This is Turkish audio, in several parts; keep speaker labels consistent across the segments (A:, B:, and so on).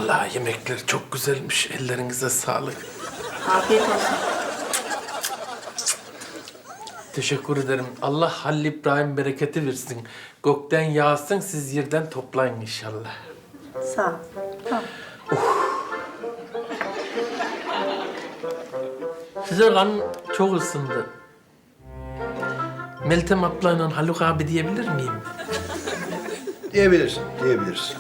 A: Vallahi yemekler çok güzelmiş. Ellerinize sağlık.
B: Afiyet olsun.
A: Teşekkür ederim. Allah Halil İbrahim bereketi versin. Gökten yağsın, siz yerden toplayın inşallah.
B: Sağ ol. Tamam.
A: Size kan çok ısındı. Meltem ablayla Haluk abi diyebilir miyim?
C: Diyebilirsin, diyebilirsin.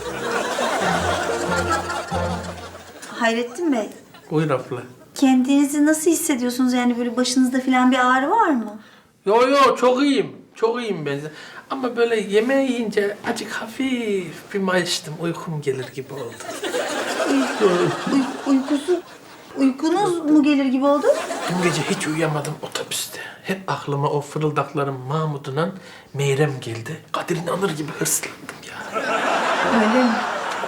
B: Hayrettin Bey,
A: Buyur abla.
B: kendinizi nasıl hissediyorsunuz? Yani böyle başınızda falan bir ağrı var mı?
A: Yo çok iyiyim. Çok iyiyim ben. Ama böyle yemeği yiyince acık hafif bir mayıştım. Uykum gelir gibi oldu.
B: Uykunuz mu gelir gibi oldu?
A: Dün gece hiç uyuyamadım otobüste. Hep aklıma o fırıldakların Mahmud'undan Meyrem geldi. Kadir inanır gibi hırslandım ya.
B: Öyle mi?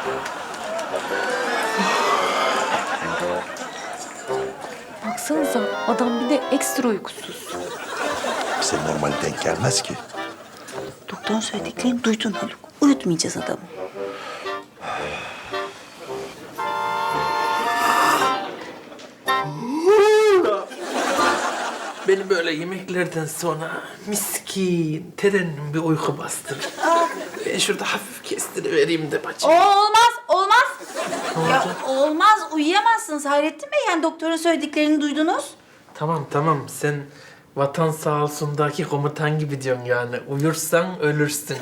D: Baksanıza adam bir de ekstra uykusuz.
C: Bize normal denk gelmez ki.
B: Doktorun söylediklerini duydun Haluk. Uyutmayacağız adamı.
A: Beni böyle yemeklerden sonra miskin, terenin bir uyku bastırır. Ben şurada hafif kestirivereyim de bacım.
B: Olmaz. Ya olmaz, uyuyamazsınız Hayrettin Bey. Yani doktorun söylediklerini duydunuz.
A: Tamam sen vatan sağ olsundaki komutan gibi diyorsun yani. Uyursan ölürsün.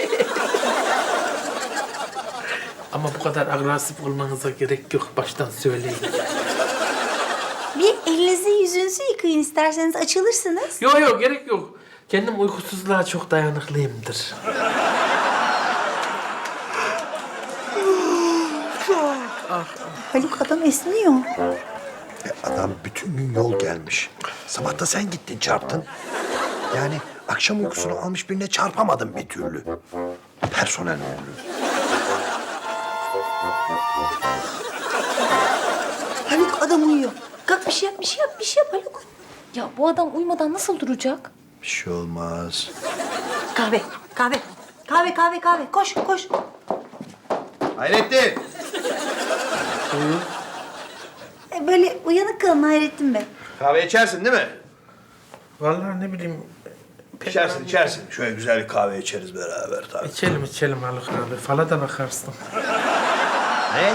A: Ama bu kadar agresif olmanıza gerek yok. Baştan söyleyeyim.
B: Bir elinizi yüzünüzü yıkayın isterseniz açılırsınız.
A: Yok gerek yok. Kendim uykusuzluğa çok dayanıklıyımdır.
B: Haluk adam esniyor.
C: Adam bütün gün yol gelmiş. Sabah da sen gittin çarptın. Yani akşam uykusunu almış birine çarpamadın bir türlü. Personel ömrü.
B: Haluk adam uyuyor. Kalk bir şey yap Haluk.
D: Ya bu adam uyumadan nasıl duracak?
C: Bir şey olmaz.
B: Kahve. Koş.
C: Hayrettin!
B: Böyle uyanık kalın Hayrettin Bey.
C: Kahve içersin değil mi?
A: Vallahi ne bileyim.
C: İçersin. Şöyle güzel bir kahve içeriz beraber tabii.
A: İçelim Haluk abi. Fala da bakarsın.
C: Ne?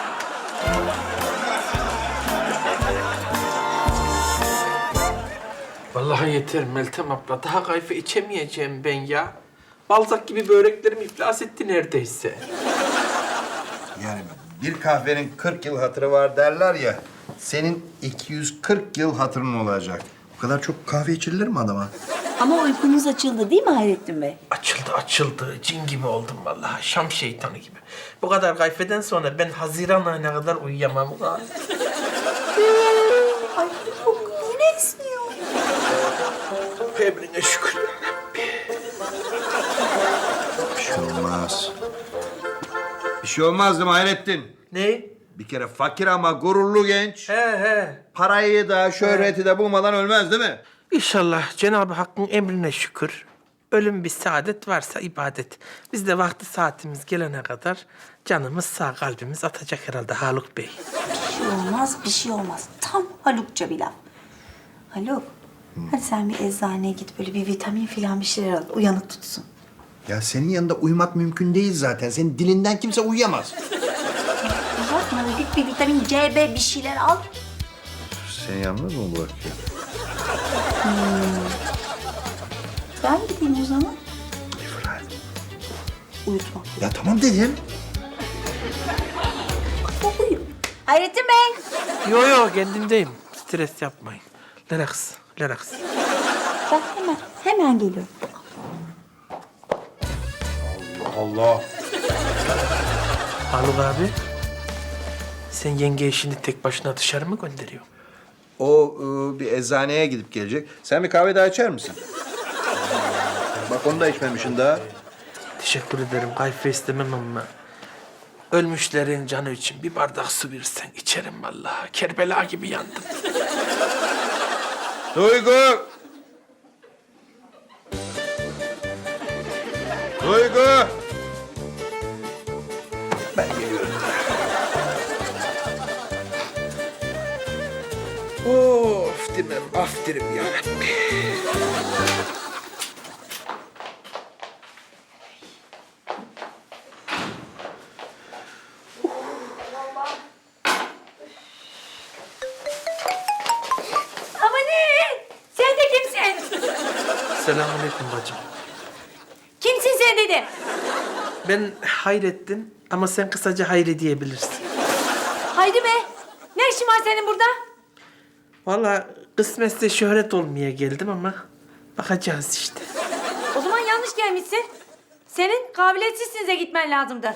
A: Vallahi yeter Meltem abla. Daha kayfe içemeyeceğim ben ya. Balzak gibi böreklerim iflas etti neredeyse.
C: Yani bir kahvenin 40 yıl hatırı var derler ya. Senin 240 yıl hatırın olacak. Bu kadar çok kahve içilir mi adama?
B: Ama uykunuz açıldı değil mi Hayrettin Bey?
A: Açıldı. Cin gibi oldum vallahi. Şam şeytanı gibi. Bu kadar kayfeden sonra ben Haziran ayına kadar uyuyamam.
B: Ay Haluk yine esniyor.
A: Emrine şükür.
C: Bir şey olmaz. Bir şey olmaz değil mi Hayrettin?
A: Ne?
C: Bir kere fakir ama gururlu genç.
A: He.
C: Parayı da şöhreti de bulmadan ölmez değil mi?
A: İnşallah Cenab-ı Hakk'ın emrine şükür. Ölüm bir saadet varsa ibadet. Biz de vakti saatimiz gelene kadar canımız sağ, kalbimiz atacak herhalde Haluk Bey.
B: Bir şey olmaz. Tam Halukça bir laf. Haluk, hadi sen bir eczaneye git böyle bir vitamin falan bir şeyler al. Uyanık tutsun.
C: Ya senin yanında uyumak mümkün değil zaten. Senin dilinden kimse uyuyamaz.
B: Uzatma da git bir vitamin C, B bir şeyler al.
C: Seni yalnız mı bırakıyor?
B: Ben gideyim o zaman.
C: İfrat.
B: Uyutma.
C: Ya tamam dedim.
B: O uyu. Hayrettin Bey.
A: Yo kendimdeyim. Stres yapmayın. Relax.
B: Ben hemen geliyorum.
C: Allah.
A: Haluk abi. Sen yenge işini tek başına dışarı mı gönderiyorsun?
C: O bir eczaneye gidip gelecek. Sen bir kahve daha içer misin? Bak onu da içmemişsin daha.
A: Teşekkür ederim. Kayfe istemem ama ölmüşlerin canı için bir bardak su versen içerim vallahi. Kerbela gibi yandım.
C: Duygu! Ben geliyorum.
A: Of demem, af derim ya.
B: Amanın! Sen de kimsin?
A: Selamünaleyküm bacım.
B: Kimsin sen dedi?
A: Ben Hayrettin ama sen kısaca Hayri diyebilirsin.
B: Haydi be. Ne işin var senin burada?
A: Vallahi kısmetse şöhret olmaya geldim ama bakacağız işte.
B: O zaman yanlış gelmişsin. Senin kabiliyetsizsinize gitmen lazımdı.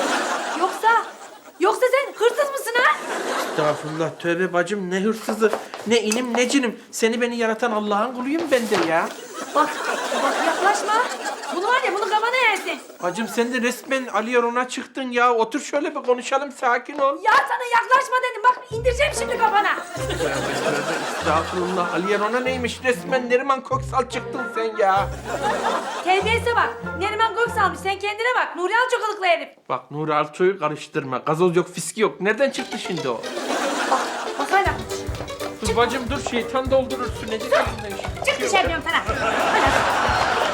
B: Yoksa sen hırsız mısın ha?
A: Estağfurullah, tövbe bacım, ne hırsızı, ne inim ne cinim. Seni beni yaratan Allah'ın kuluyum ben de ya.
B: Bak yaklaşma. Bunu var ya bunu kafana yersin.
A: Bacım sen de resmen Ali Yaron'a çıktın ya. Otur şöyle bir konuşalım, sakin ol.
B: Ya sana yaklaşma dedim. Bak indireceğim şimdi kafana.
A: Tövbe tövbe, estağfurullah. Ali Yaron'a neymiş, resmen Neriman Köksal çıktın sen ya.
B: Terbiyesize bak. Neriman Göksal'mış. Sen kendine bak. Nuri Alçokalıklı herif.
A: Bak Nuri Alço'yu karıştırma. Gazoz yok, fiski yok. Nereden çıktı şimdi o?
B: Bak hala.
A: Dur bacım dur, şeytan doldurursun. Ne diyeceğim ben şimdi?
B: Çık dışarı diyorum sana. Hadi.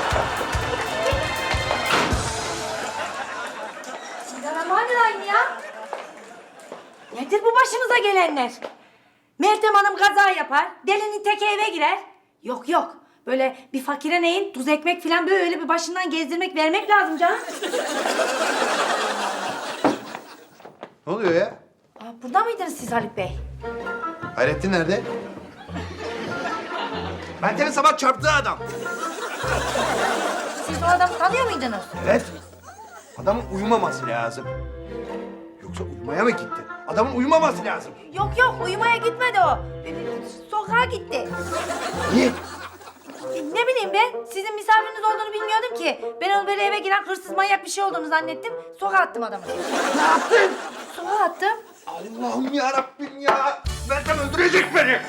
B: Bismillahirrahmanirrahim ya. Nedir bu başımıza gelenler? Meltem Hanım kaza yapar, delinin teki eve girer. Yok. Böyle bir fakire neyin tuz ekmek falan böyle bir başından gezdirmek, vermek lazım canım.
C: Ne oluyor ya?
B: Aa, burada mıydınız siz Haluk Bey?
C: Hayrettin nerede? Meltem'in sabah çarptığı adam.
B: Siz o adamı tanıyor muydunuz?
C: Evet. Adamın uyumaması lazım. Yoksa uyumaya mı gitti? Adamın uyumaması lazım.
B: Yok uyumaya gitmedi o. Sokağa gitti.
C: Niye?
B: Ne bileyim ben, sizin misafiriniz olduğunu bilmiyordum ki. Ben onu böyle eve giren hırsız manyak bir şey olduğunu zannettim. Sokağa attım adamı.
C: Ne yaptın?
B: Sokağa attım.
C: Allah'ım ya Rabbim ya. Meltem öldürecek beni.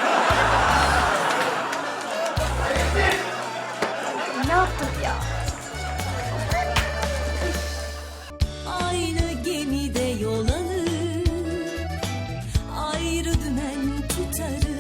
B: Ne yaptım ya?
E: Aynı gemide yol alır, ayrı dümen tutarız.